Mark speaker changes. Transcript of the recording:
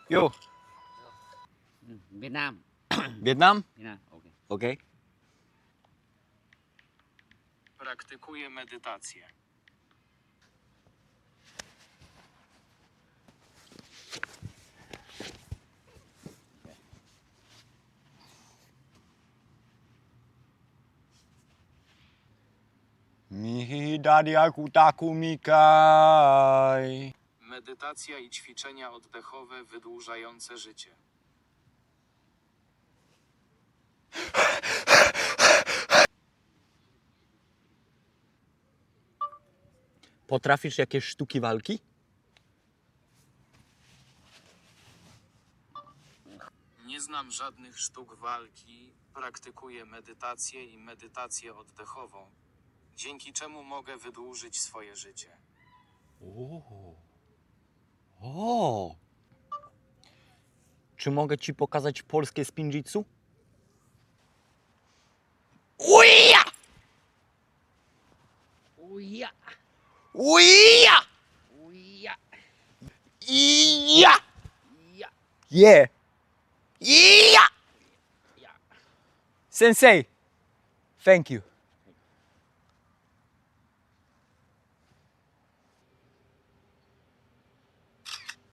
Speaker 1: Yo,
Speaker 2: Việt Nam.
Speaker 1: Vietnam?
Speaker 2: Việt Nam, ok.
Speaker 1: Okay.
Speaker 3: Praktykuję medytację.
Speaker 1: Mihi dadiaku taku mikai.
Speaker 3: Medytacja i ćwiczenia oddechowe wydłużające życie.
Speaker 1: Potrafisz jakieś sztuki walki?
Speaker 3: Nie znam żadnych sztuk walki, praktykuję medytację i medytację oddechową, dzięki czemu mogę wydłużyć swoje życie.
Speaker 1: O. Czy mogę ci pokazać polskie spinjitsu? Uja!
Speaker 2: Uja,
Speaker 1: Uja!
Speaker 2: uja,
Speaker 1: Ija!
Speaker 2: ja,
Speaker 1: Yeah! Ija!
Speaker 2: ja.
Speaker 1: Sensei, thank you.